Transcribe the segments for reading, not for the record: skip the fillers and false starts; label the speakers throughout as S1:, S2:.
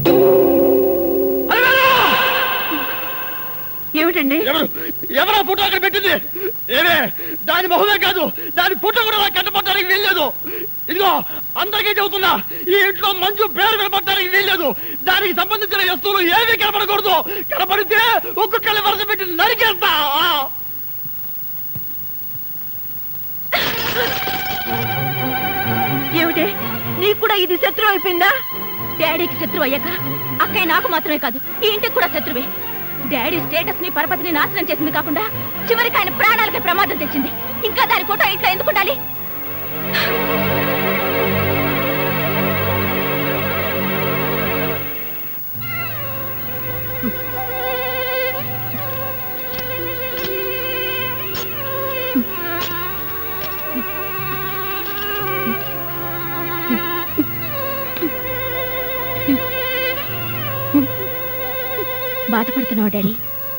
S1: ఏమిటండి?
S2: ఎవరో ఫోటో అక్కడ పెట్టింది? ఏమే దాని మొహమే కాదు, దాని ఫోటో కూడా కట్టపట్టడానికి వీల్లేదు. ఇదిగో అందరికీ చెబుతున్నా, ఈ ఇంట్లో మంచు పేరు కనపడటానికి వీల్లేదు. దానికి సంబంధించిన వస్తువులు ఏమీ కనపడకూడదు. కనపడితే ఒక్కొక్కరి వరుస పెట్టి నరికేస్తా.
S1: ఏమిటి, నీకు కూడా ఇది శత్రువు అయిపోయిందా? డాడీకి శత్రువు అయ్యాక అక్కయ్య నాకు మాత్రమే కాదు, ఈ ఇంటికి కూడా శత్రువే. డాడీ స్టేటస్ ని పరపతిని నాశనం చేసింది కాకుండా చివరికి ఆయన ప్రాణాలకి ప్రమాదం తెచ్చింది. ఇంకా దాని ఫోటో ఇంట్లో ఎందుకు ఉండాలి? బాధపడుతున్నావు డాడీ?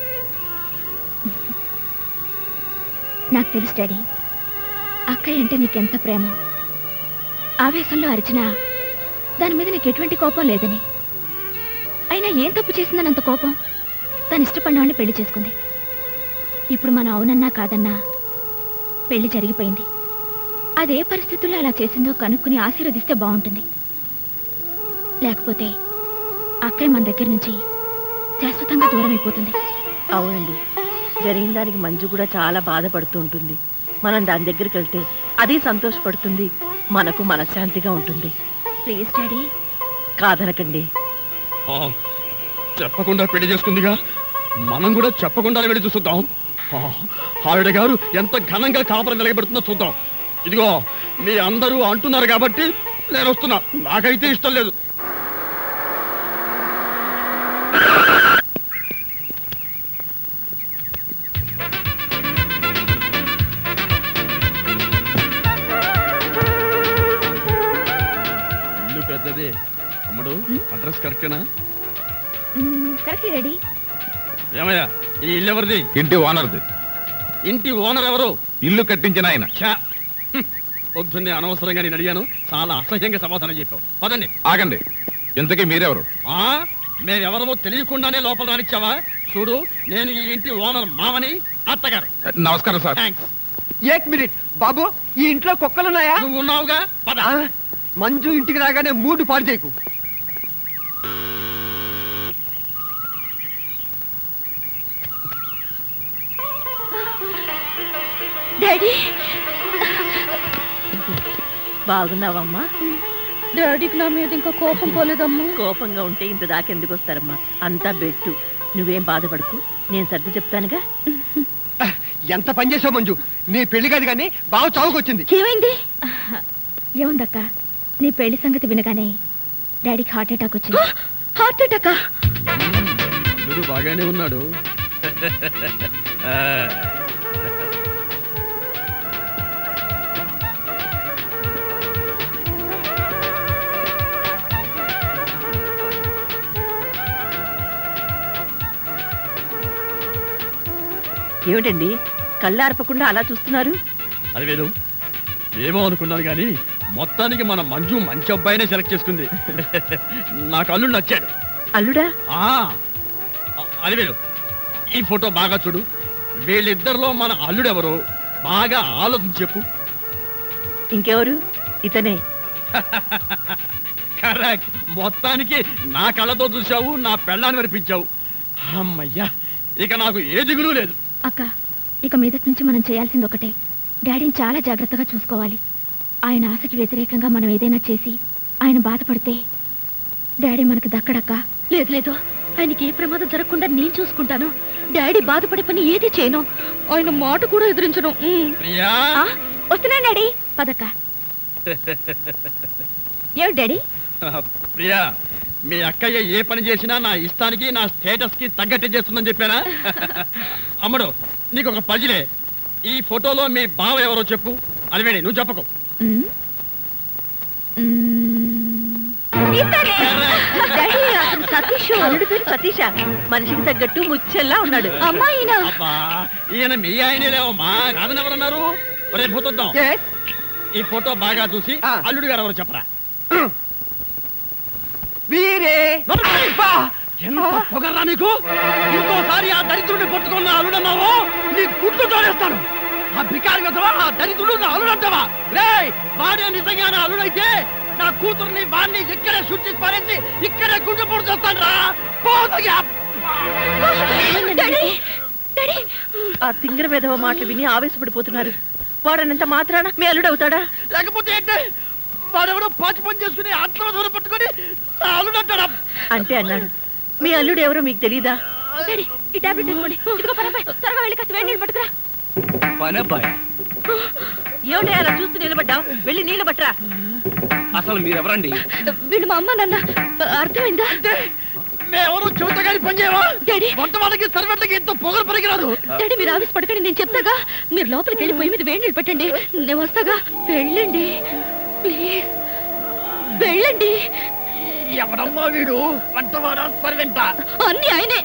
S1: నాకు తెలుసు డాడీ, అక్కయ్య అంటే నీకెంత ప్రేమ. ఆవేశంలో అరిచినా దాని మీద నీకు ఎటువంటి కోపం లేదని. అయినా ఏం తప్పు చేసిందని అంత కోపం? తను ఇష్టపడినవాడిని పెళ్లి చేసుకుంది. ఇప్పుడు మనం అవునన్నా కాదన్నా పెళ్లి జరిగిపోయింది. అదే పరిస్థితుల్లో అలా చేసిందో కనుక్కుని ఆశీర్వదిస్తే బాగుంటుంది. లేకపోతే అక్కయ్య మన దగ్గర నుంచి శాశ్వతంగా దూరం అయిపోతుంది.
S3: అవునండి, జరిగిన దానికి మంజు కూడా చాలా బాధపడుతూ ఉంటుంది. మనం దాని దగ్గరికి వెళ్తే అది సంతోషపడుతుంది, మనకు మనశ్శాంతిగా ఉంటుంది.
S1: ప్లీజ్ డాడీ,
S3: కాదనకండి.
S2: చెప్పకుండా పెళ్లి చేసుకుందిగా, మనం కూడా చెప్పకుండా వెళ్ళి చూద్దాం. ఆవిడ గారు ఎంత ఘనంగా కాపురం వెలగబెడుతుందో చూద్దాం. ఇదిగో మీ అందరూ అంటున్నారు కాబట్టి నేను వస్తున్నా. నాకైతే ఇష్టం లేదు. ఇల్లు పెద్దది అమ్మడు, అడ్రస్ కరెక్టేనా?
S1: Correct daddy.
S2: ఏమయ్యా, ఈ ఇల్లు ఎవరిది?
S4: ఇంటి ఓనర్ది.
S2: ఇంటి ఓనర్ ఎవరు?
S4: ఇల్లు కట్టించిన ఆయన.
S2: పొద్దున్నే అనవసరంగా నేను అడిగాను, చాలా అసహ్యంగా సమాధానం చెప్పావు. పదండి.
S4: ఆగండి, ఇంతకీ మీరెవరు?
S2: మేమెవరమో తెలియకుండానే లోపల రానిచ్చావా? చూడు, నేను ఈ ఇంటి ఓనర్ మామని, అత్తగారు.
S4: నమస్కారం సార్.
S2: థ్యాంక్స్.
S5: ఏక్ మినిట్ బాబు, ఈ ఇంట్లో కుక్కలున్నాయా?
S2: నువ్వు ఉన్నావుగా, పద.
S5: మంజు ఇంటికి రాగానే మూడు పాడు చేయకు.
S1: డాడీ,
S3: బాగున్నావమ్మా?
S1: డాడీకి నా మీద ఇంకా కోపం పోలేదమ్మా.
S3: కోపంగా ఉంటే ఇంత దాకెందుకు వస్తారమ్మా? అంతా బెట్టు, నువ్వేం బాధపడకు, నేను సర్ది చెప్తానుగా.
S5: ఎంత పని చేసావు మంజు, నీ పెళ్లి కాదు కానీ బాగా చావుకొచ్చింది.
S1: ఏమైంది? ఏముందక్క, నీ పెళ్లి సంగతి వినగానే డాడీకి హార్ట్ అటాక్ వచ్చింది. హార్ట్ అటాకా?
S2: వీడు బాగానే ఉన్నాడు.
S3: ఏమిటండి కళ్ళార్పకుండా అలా చూస్తున్నారు?
S2: అది వేరు, ఏమో అనుకున్నాను కానీ మొత్తానికి మన మంజు మంచి అబ్బాయినే సెలెక్ట్ చేసుకుంది. నాకు అల్లుడు నచ్చాడు.
S3: అల్లుడా?
S2: అది వేరు, ఈ ఫోటో బాగా చూడు. వీళ్ళిద్దరిలో మన అల్లుడెవరో బాగా ఆలోచించి చెప్పు.
S3: ఇంకెవరు? ఇతనే.
S2: కరెక్ట్. మొత్తానికి నా కళ్ళతో చూసావు, నా పెళ్ళాన్ని వినిపించావు. అమ్మయ్యా, ఇక నాకు ఏ దిగులు లేదు.
S1: అక్క, ఇక మీదటి నుంచి మనం చేయాల్సింది ఒకటే, డాడీని చాలా జాగ్రత్తగా చూసుకోవాలి. ఆయన ఆశకి వ్యతిరేకంగా మనం ఏదైనా చేసి ఆయన బాధపడితే డాడీ మనకు దక్కడక్క. లేదు లేదు, ఆయనకి ఏ ప్రమాదం జరగకుండా నేను చూసుకుంటాను. డాడీ బాధపడే పని ఏది చేయను, ఆయన మాట కూడా ఎదిరించను. వస్తున్నాను డాడీ, పదక్క. ఏమిటి డాడీ?
S2: ప్రియా, మీ అక్కయ్య ఏ పని చేసినా నా ఇష్టానికి నా స్టేటస్ కి తగ్గట్టే చేస్తుందని చెప్పానా? అమ్మడు, నీకు ఒక పజిలే. ఈ ఫోటోలో మీ బావ ఎవరో చెప్పు. అలివేణి, నువ్వు చెప్పకు.
S3: సతీష మనిషికి తగ్గట్టు ముచ్చల్లా ఉన్నాడు.
S2: అబ్బా, ఈయన మీ ఆయనే లేవమ్మా, కాదని ఎవరన్నారు? రేపు పోతుందాం. ఈ ఫోటో బాగా చూసి అల్లుడు గారు ఎవరు చెప్పరా?
S5: వీరే
S2: అబ్బా! ఎంత పొగర్రా నీకు ఇంకోసారి ఆ దరిద్రుడిని పట్టుకున్న అల్లుడన్నావు నీ గుడ్లు తోడేస్తాను ఆ బికారి కదవా ఆ దరిద్రుడు నా అల్లుడంటావా రే వాడే నిజంగా నా అల్లుడైతే నా కూతుర్ని వాడిని ఇక్కడే శుద్ధి పారేసి ఇక్కడే గుడ్డు పొడి చేస్తాను రా
S3: ఆ తింగర విధవ మాటలు విని ఆవేశపడిపోతున్నారు. వాడనంత మాత్రాన మీ అల్లుడవుతాడా?
S2: లేకపోతే ఏంటి వాడెవడో పాచి పని చేసుకుని ఆటలో దూరం పట్టుకొని నా అల్లుడంటాడా
S3: అంటే అన్నాడు. మీ అల్లుడు ఎవరో మీకు తెలీదా?
S1: డాడీ ఈ టాబ్లెట్ తీసుకోండి. ఇదిగో పనబ్బాయి త్వరగా వెళ్ళి కాస్త వేడి నీళ్ళు పట్టుకురా.
S5: పనబ్బాయి
S3: ఏమిటి అలా చూస్తూ నిలబడ్డావు? వెళ్ళి నీళ్లు పట్టరా.
S5: అసలు మీరెవరండి?
S1: వీళ్ళు మా అమ్మ నాన్న. అర్థమైందా?
S2: మేమెవరూ చెబుతగాని పని చేయవా
S1: డాడీ
S2: వంట వాళ్ళకి సర్వెంట్లకి ఎంతో పొగరు పనికిరాదు
S1: డాడీ మీరు ఆఫీస్ పడకండి, నేను చెప్తాగా. మీరు లోపలికి వెళ్ళి పొయ్యి మీద వేడి నీళ్ళు పెట్టండి, నేను వస్తాగా. వెళ్ళండి ప్లీజ్, వెళ్ళండి.
S2: ఎవడమ్మా వీడు వంటవాడా సర్వెంటా
S1: అన్ని ఆయనే.